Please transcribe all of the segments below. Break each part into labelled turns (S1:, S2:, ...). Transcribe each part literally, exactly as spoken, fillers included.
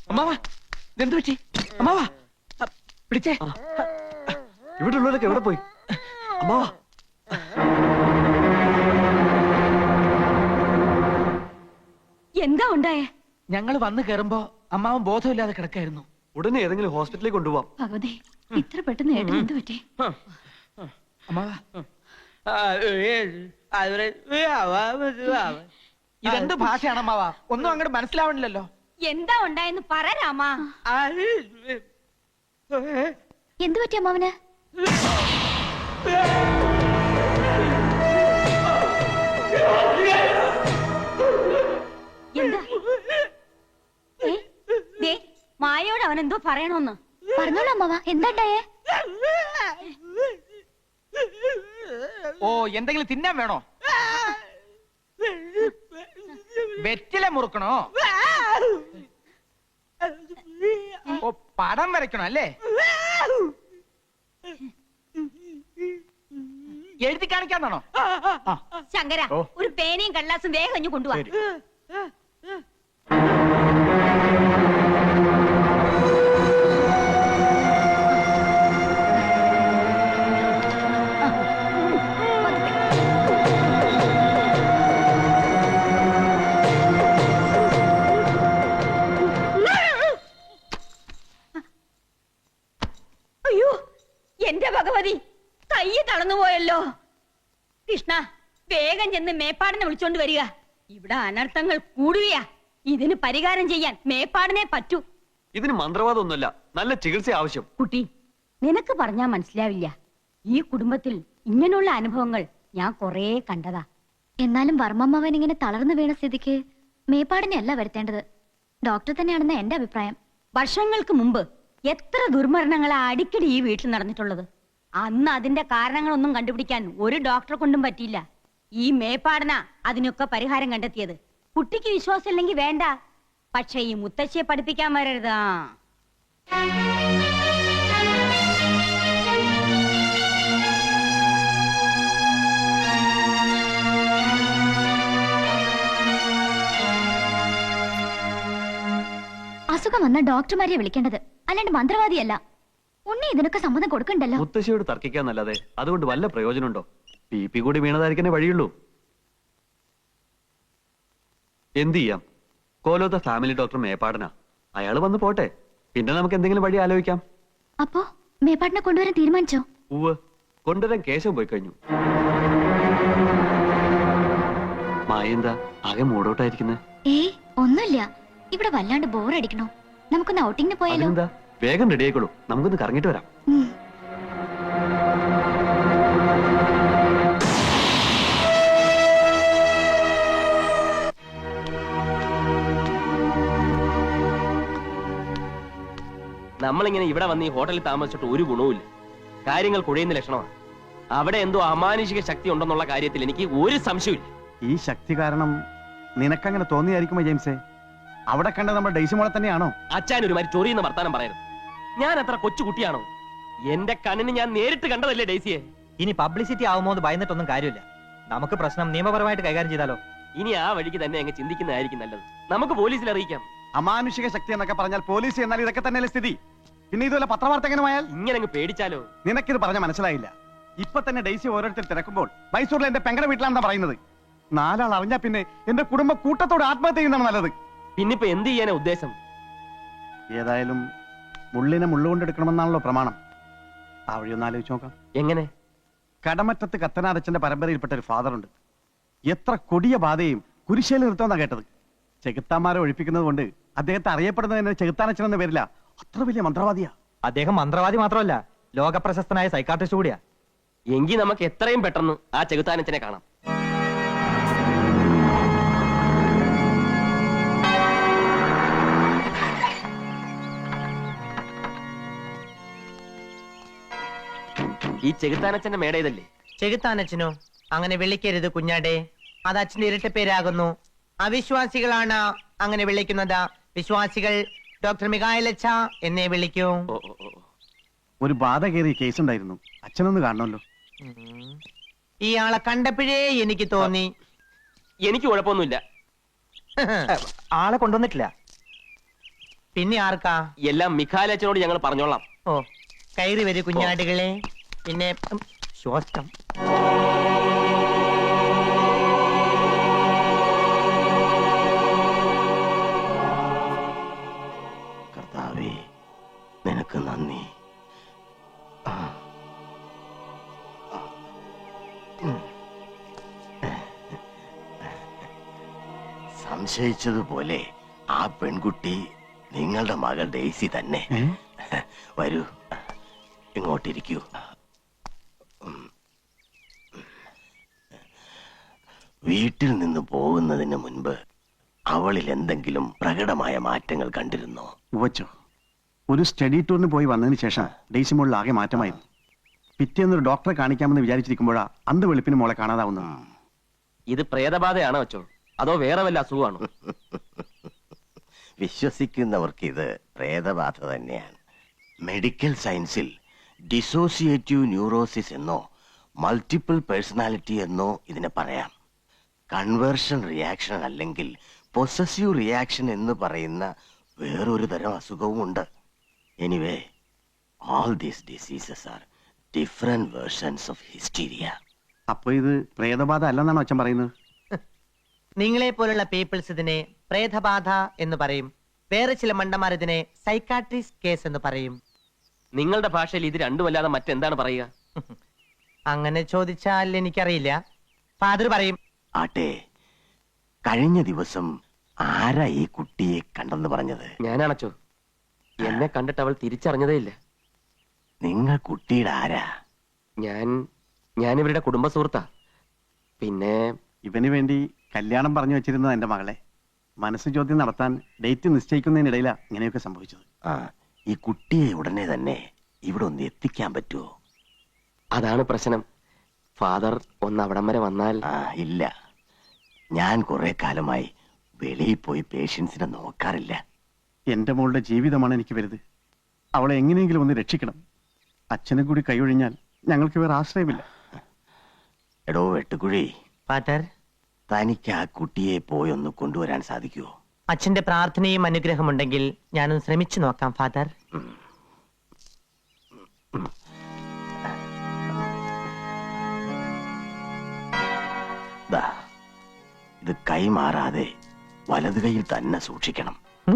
S1: അമ്മാവാ എന്ത് പറ്റി? അമ്മാവാ പിടിച്ചേ.
S2: ഇവിടെ ഉള്ളവരൊക്കെ എവിടെ പോയി? അമ്മാവാ
S3: എന്താ ഉണ്ടായേ?
S1: ഞങ്ങള് വന്ന് കേറുമ്പോ അമ്മാവൻ ബോധമില്ലാതെ കിടക്കായിരുന്നു.
S2: ഉടനെ ഏതെങ്കിലും ഹോസ്പിറ്റലിൽ കൊണ്ടുപോവാം.
S3: ഭഗവതി, ഇത്ര പെട്ടെന്ന് ഏട്ടൻ എന്ത് പറ്റി?
S1: അമ്മാവാ ഇതെന്ത് ഭാഷയാണ് അമ്മാവാ? ഒന്നും അങ്ങോട്ട് മനസ്സിലാവണില്ലല്ലോ.
S3: എന്താ ഉണ്ടായെന്ന് പറ രാമാ. എന്തു പറ്റി അമ്മാവന്? എന്താ? മായയോട് അവൻ എന്തോ പറയണോന്ന് പറഞ്ഞോളൂ അമ്മാവ. എന്താ ഉണ്ടായേ?
S1: ഓ എന്തെങ്കിലും തിന്നാൻ വേണോ? വെറ്റില മുറുക്കണോ? ഓ പടം വരയ്ക്കണോ അല്ലേ? എഴുതി കാണിക്കാന്നാണോ?
S3: ശങ്കര, ഒരു പേനയും കടലാസും വേഗം കഴിഞ്ഞു കൊണ്ടുപോവാ. അയ്യോ എന്റെ ഭഗവതി, കൈ തളർന്നുപോയല്ലോ. കൃഷ്ണ, വേഗം ചെന്ന് മേപ്പാടിനെ വിളിച്ചോണ്ട് വരിക. ഇവിടെ അനർത്ഥങ്ങൾ കൂടുകയാ. ഇതിന് പരിഹാരം ചെയ്യാൻ മേപ്പാടിനെ പറ്റൂ.
S2: ഇതിന് മന്ത്രവാദമൊന്നുമല്ല, നല്ല ചികിത്സ ആവശ്യം.
S3: കുട്ടി, നിനക്ക് പറഞ്ഞാ മനസ്സിലാവില്ല. ഈ കുടുംബത്തിൽ ഇങ്ങനെയുള്ള അനുഭവങ്ങൾ ഞാൻ കൊറേ കണ്ടതാ.
S4: എന്നാലും വർമ്മമ്മവൻ ഇങ്ങനെ തളർന്നു വീണ സ്ഥിതിക്ക് മേപ്പാടിനെ അല്ല വരുത്തേണ്ടത്, ഡോക്ടർ തന്നെയാണെന്ന് എന്റെ അഭിപ്രായം.
S3: വർഷങ്ങൾക്ക് മുമ്പ് എത്ര ദുർമരണങ്ങളാ അടിക്കടി ഈ വീട്ടിൽ നടന്നിട്ടുള്ളത്. അന്ന് അതിന്റെ കാരണങ്ങളൊന്നും കണ്ടുപിടിക്കാൻ ഒരു ഡോക്ടറെ കൊണ്ടും പറ്റിയില്ല. ഈ മേപ്പാടന അതിനൊക്കെ പരിഹാരം കണ്ടെത്തിയത്. കുട്ടിക്ക് വിശ്വാസം ഇല്ലെങ്കിൽ വേണ്ട, പക്ഷെ ഈ മുത്തശ്ശിയെ പഠിപ്പിക്കാൻ വരരുതാ.
S4: അസുഖം വന്ന ഡോക്ടർമാരെ വിളിക്കേണ്ടത്, അല്ലാണ്ട് മന്ത്രവാദിയല്ല. ഉണ്ണി ഇതിനൊക്കെ സമ്മതം കൊടുക്കണ്ടല്ലോ.
S2: മുത്തശ്ശിയോട് തർക്കിക്കാന്നല്ലാതെ അതുകൊണ്ട് വല്ല പ്രയോജനമുണ്ടോ? പി പി കൂടി വീണതായിരിക്കേ വഴിയുള്ളൂ. എന്ത് ചെയ്യാം? കോലോത്ത ഫാമിലി ഡോക്ടർ മേപ്പാടനാ. അയാള് വന്ന് പോട്ടെ, പിന്നെ നമുക്ക് എന്തെങ്കിലും വഴി ആലോചിക്കാം.
S4: അപ്പോ മേപ്പാടിനെ കൊണ്ടുവരാൻ തീരുമാനിച്ചോ?
S2: ഉവ്, കൊണ്ടുവരാൻ കേശം പോയി കഴിഞ്ഞു. മായെന്താ ആകെ മൂടോട്ടായിരിക്കുന്നത്?
S4: ഏയ് ഒന്നുമില്ല, ഇവിടെ വല്ലാണ്ട് ബോറടിക്കണോ. നമുക്കൊന്ന് ഔട്ടിങ്ങിന് പോയാലോ?
S2: എന്താ, വേഗം റെഡി ആയിക്കോളൂ, നമുക്കൊന്ന് കറങ്ങിട്ട് വരാം.
S5: നമ്മളിങ്ങനെ ഇവിടെ വന്ന് ഈ ഹോട്ടലിൽ താമസിച്ചിട്ട് ഒരു ഗുണവുമില്ല. കാര്യങ്ങൾ കുഴയുന്ന ലക്ഷണമാണ്. അവിടെ എന്തോ അമാനുഷിക ശക്തി ഉണ്ടെന്നുള്ള കാര്യത്തിൽ എനിക്ക് ഒരു സംശയമില്ല.
S6: ഈ ശക്തി കാരണം നിനക്കങ്ങനെ തോന്നിയായിരിക്കുമോ ജെയിംസേ? അവിടെ കണ്ട നമ്മുടെ ഡെയ്സിമോളെ തന്നെയാണോ?
S5: അച്ഛൻ ഒരുമാതിരി ചൊറിയുന്ന വർത്താനം പറയരുത്. ഞാൻ അത്ര കൊച്ചു കുട്ടിയാണോ? എന്റെ കണ്ണിന് ഞാൻ നേരിട്ട് കണ്ടതല്ലേ ഡെയ്സിയെ.
S7: ഇനി പബ്ലിസിറ്റി ആവുമോ എന്ന് ഭയന്നിട്ടൊന്നും കാര്യമില്ല. നമുക്ക് പ്രശ്നം നിയമപരമായിട്ട് കൈകാര്യം ചെയ്താലോ?
S5: ഇനി ആ വഴിക്ക് തന്നെ അങ്ങ് ചിന്തിക്കുന്നതായിരിക്കും നല്ലത്. നമുക്ക് പോലീസിൽ അറിയിക്കാം.
S6: അമാനുഷിക ശക്തി എന്നൊക്കെ പറഞ്ഞാൽ പോലീസ് എന്നാൽ ഇതൊക്കെ തന്നെയല്ലേ സ്ഥിതി. പിന്നെ ഇതുപോലെ പത്രവാർത്തകനുമായാൽ
S5: ഇങ്ങനെ അങ്ങ് പേടിച്ചാലോ?
S6: നിനക്കിത് പറഞ്ഞ മനസ്സിലായില്ല. ഇപ്പൊ തന്നെ ഡെയ്സി ഓരോരുത്തർ തിരക്കുമ്പോൾ മൈസൂരിൽ എന്റെ പെങ്ങളുടെ വീട്ടിലാണെന്നാ പറയുന്നത്. നാലാൾ അറിഞ്ഞാ പിന്നെ എന്റെ കുടുംബം കൂട്ടത്തോട് ആത്മഹത്യ ചെയ്യുന്നതാണ് നല്ലത്.
S5: പിന്നിപ്പോ എന്ത് ചെയ്യാനാ ഉദ്ദേശം?
S6: ഏതായാലും മുള്ളിനെ മുള്ളുകൊണ്ടെടുക്കണമെന്നാണല്ലോ പ്രമാണം. ആ വഴി ഒന്ന് ആലോചിച്ച് നോക്കാം.
S5: എങ്ങനെ?
S6: കടമറ്റത്ത് കത്തനാരച്ചന്റെ പരമ്പരയിൽപ്പെട്ട ഒരു ഫാദറുണ്ട്. എത്ര കൊടിയ ബാധയും കുരിശേൽ നിർത്തുമെന്നാ കേട്ടത്. ചെകുത്താന്മാരെ ഒഴിപ്പിക്കുന്നത് കൊണ്ട് അദ്ദേഹത്തെ അറിയപ്പെടുന്നത് ചെകുത്താനച്ചൻ എന്ന പേരില്ല. അത്ര വലിയ മന്ത്രവാദിയാ
S7: അദ്ദേഹം. മന്ത്രവാദി മാത്രമല്ല, ലോകപ്രശസ്തനായ സൈക്കാട്രിസ്റ്റ് കൂടിയാ.
S5: എങ്കിൽ നമുക്ക് എത്രയും പെട്ടെന്ന് ആ ചെകുത്താനച്ചനെ കാണാം. ഈ ചെകുത്താനച്ചന്റെ മേട ഇതല്ലേ?
S8: ചെകുത്താനച്ചനോ? അങ്ങനെ വിളിക്കരുത് കുഞ്ഞാടെ, അത് അച്ഛന്റെ ഇരട്ട പേരാകുന്നു. അവിശ്വാസികളാണ് അങ്ങനെ വിളിക്കുന്നത്. വിശ്വാസികൾ ഡോക്ടർ മികായലച്ച എന്നെ വിളിക്കൂ.
S6: ഒരു ബാധ കയറിയ കേസ് ഉണ്ടായിരുന്നു. അച്ഛനൊന്ന് കാണണമല്ലോ.
S8: ഇയാളെ കണ്ടപ്പോഴേ എനിക്ക് തോന്നി.
S5: എനിക്ക് കുഴപ്പമൊന്നുമില്ല.
S7: ആളെ കൊണ്ടുവന്നിട്ടില്ല.
S8: പിന്നെ ആർക്കാ?
S5: എല്ലാം മിഖാലച്ചനോട് ഞങ്ങൾ പറഞ്ഞോളാം.
S8: ഓ, കയറി വരൂ കുഞ്ഞാടുകളെ. പിന്നെ ഉം, ശ്വാസം.
S9: കർത്താവേ, നിനക്ക് നന്ദി. ആ. ആ. ഉം. സംശയിച്ചതുപോലെ ആ പെൺകുട്ടി നിങ്ങളുടെ മകൾ ഡെയ്സി തന്നെ. വരൂ, ഇങ്ങോട്ടിരിക്കൂ. വീട്ടിൽ നിന്ന് പോകുന്നതിന് മുൻപ് അവളിൽ എന്തെങ്കിലും പ്രകടമായ മാറ്റങ്ങൾ കണ്ടിരുന്നോ?
S6: ഉവച്ചോ, ഒരു സ്റ്റഡി ടൂറിന് പോയി വന്നതിന് ശേഷം ഡെയ്സി മോളിൽ ആകെ മാറ്റമായിരുന്നു. പിറ്റേന്നൊരു ഡോക്ടറെ കാണിക്കാമെന്ന് വിചാരിച്ചിരിക്കുമ്പോഴാ അന്ത് വെളുപ്പിന് മോളെ കാണാതാവുന്നത്.
S5: ഇത് പ്രേതബാധയാണോ അച്ചോ, അതോ വേറെ വല്ല അസുഖമാണോ?
S9: വിശ്വസിക്കുന്നവർക്ക് ഇത് പ്രേതബാധ തന്നെയാണ്. മെഡിക്കൽ സയൻസിൽ ഡിസോസിയേറ്റീവ് ന്യൂറോസിസ് എന്നോ മൾട്ടിപ്പിൾ പേഴ്സണാലിറ്റി എന്നോ ഇതിനെ പറയാം. കൺവേർഷൻ റിയാക്ഷൻ അല്ലെങ്കിൽ പൊസസീവ് റിയാക്ഷൻ എന്ന് പറയുന്ന വേറൊരു തരം അസുഖവും ഉണ്ട്. Anyway, all these diseases are different versions of hysteria.
S6: അപ്പൊ ഇത് പ്രേതബാധ അല്ലെന്നാണോ അച്ഛൻ പറയുന്നത്?
S8: നിങ്ങളെ പോലുള്ള പീപ്പിൾസ് ഇതിനെ പ്രേതബാധ എന്ന് പറയും. വേറെ ചില മണ്ടന്മാർ ഇതിനെ സൈക്കാട്രിസ്റ്റ് കേസ് എന്ന് പറയും.
S5: നിങ്ങളുടെ ഭാഷയിൽ ഇത് രണ്ടുമല്ലാതെ മറ്റെന്താണ് പറയുക?
S8: അങ്ങനെ ചോദിച്ചാൽ എനിക്കറിയില്ല. ഫാദർ പറയും.
S9: ആട്ടെ, കഴിഞ്ഞ ദിവസം ആരാ ഈ കുട്ടിയെ കണ്ടെന്ന് പറഞ്ഞത്?
S5: ഞാനാണച്ചോ. എന്നെ കണ്ടിട്ട് അവൾ തിരിച്ചറിഞ്ഞതേ ഇല്ല.
S9: നിങ്ങൾ കുട്ടിയുടെ ആരാ?
S5: ഞാൻ ഞാൻ ഇവരുടെ കുടുംബ സുഹൃത്താ. പിന്നെ
S6: ഇവന് വേണ്ടി കല്യാണം പറഞ്ഞു വെച്ചിരുന്നത് എന്റെ മകളെ. മനസ്സ് ചോദ്യം നടത്താൻ ഡേറ്റ് നിശ്ചയിക്കുന്നതിനിടയിലാ ഇങ്ങനെയൊക്കെ സംഭവിച്ചത്.
S9: ആ, ഈ കുട്ടിയെ ഉടനെ തന്നെ ഇവിടെ ഒന്ന് എത്തിക്കാൻ പറ്റുമോ?
S5: അതാണ് പ്രശ്നം. ഫാദർ ഒന്ന് അവിടം വരെ വന്നാൽ.
S9: ആ, ഇല്ല, ഞാൻ കുറെ കാലമായി വെളിയിൽ പോയി പേഷ്യൻസിനെ നോക്കാറില്ല.
S6: എന്റെ മോളുടെ ജീവിതമാണ് എനിക്ക് വലുത്. അവളെ എങ്ങനെയെങ്കിലും ഒന്ന് രക്ഷിക്കണം. അച്ഛനെ കൂടി കൈയൊഴിഞ്ഞാൽ ഞങ്ങൾക്ക് വേറെ ആശ്രയമില്ല.
S9: എടോ വെട്ടുകുഴി,
S8: ഫാദർ,
S9: തനിക്ക് ആ കുട്ടിയെ പോയി ഒന്ന് കൊണ്ടുവരാൻ സാധിക്കുമോ?
S8: അച്ഛന്റെ പ്രാർത്ഥനയും അനുഗ്രഹമുണ്ടെങ്കിൽ ഞാനൊന്ന് ശ്രമിച്ചു നോക്കാം ഫാദർ.
S9: ദാ, ഇത് കൈമാറാതെ വലത് കൈയിൽ തന്നെ സൂക്ഷിക്കണം.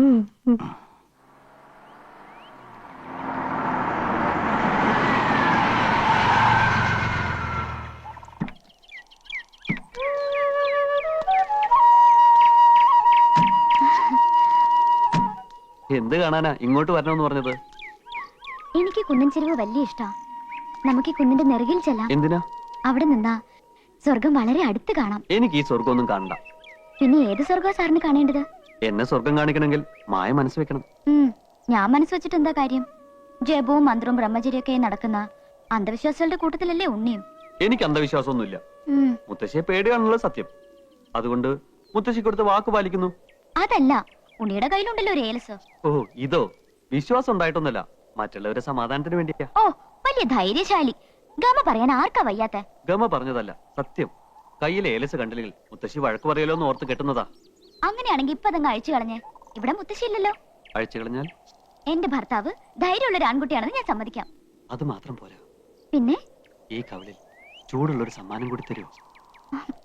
S2: എന്ത് കാണാനാ ഇങ്ങോട്ട് വരണമെന്ന് പറഞ്ഞത്?
S4: എനിക്ക് കുന്നിൻ ചെരുവ് വലിയ ഇഷ്ടാ. നമുക്ക് ഈ കുന്നിന്റെ നെറുകിൽ ചെല്ലാം.
S2: എന്തിനാ?
S4: അവിടെ നിന്നാ സ്വർഗം വളരെ അടുത്ത് കാണാം.
S2: എനിക്ക് ഈ സ്വർഗമൊന്നും കാണണ്ട.
S4: പിന്നെ ഏത് സ്വർഗം സാറിന് കാണേണ്ടത്?
S2: എന്നെ സ്വർഗം കാണിക്കണമെങ്കിൽ മായ മനസ്സ് വെക്കണം.
S4: ഉം, ഞാൻ മനസ്സ് വെച്ചിട്ട് എന്താ കാര്യം? ജപവും മന്ത്രവും ബ്രഹ്മചര്യൊക്കെ നടക്കുന്ന അന്ധവിശ്വാസികളുടെ കൂട്ടത്തിലല്ലേ ഉണ്ണിയും?
S2: എനിക്ക് അന്ധവിശ്വാസമൊന്നുമില്ല.
S4: ഉം,
S2: മുത്തശ്ശിയെ പേടിയാണുള്ളത് സത്യം. അതുകൊണ്ട് മുത്തശ്ശി കൊടുത്ത് വാക്ക് പാലിക്കുന്നു.
S4: അതല്ല, ഉണ്ണിയുടെ കയ്യിലുണ്ടല്ലോ ഒരു ഏലസ്.
S2: ഓ, ഇതോ? വിശ്വാസം ഉണ്ടായിട്ടൊന്നല്ല, മറ്റുള്ളവരുടെ സമാധാനത്തിന് വേണ്ടിയാ.
S4: ഓ, വലിയ ധൈര്യശാലി. ഗമ പറയാൻ ആർക്കാ വയ്യാത്ത?
S2: ഗമ പറഞ്ഞതല്ല, സത്യം. കയ്യിലെ ഏലസ് കണ്ടില്ലെങ്കിൽ മുത്തശ്ശി വഴക്ക് പറയലോ എന്ന് ഓർത്ത് കെട്ടുന്നതാ.
S4: അങ്ങനെയാണെങ്കിൽ ഇപ്പൊ അതങ്ങ് അഴിച്ചു കളഞ്ഞേ. ഇവിടെ മുത്തശ്ശിയില്ലല്ലോ.
S2: അഴിച്ചു കളഞ്ഞാൽ
S4: എന്റെ ഭർത്താവ് ധൈര്യമുള്ള ഒരു ആൺകുട്ടിയാണെന്ന് ഞാൻ സമ്മതിക്കാം.
S2: അത് മാത്രം പോരാ,
S4: പിന്നെ
S2: ഈ കവലിൽ ചൂടുള്ളൊരു സമ്മാനം കൂടി തരുമോ?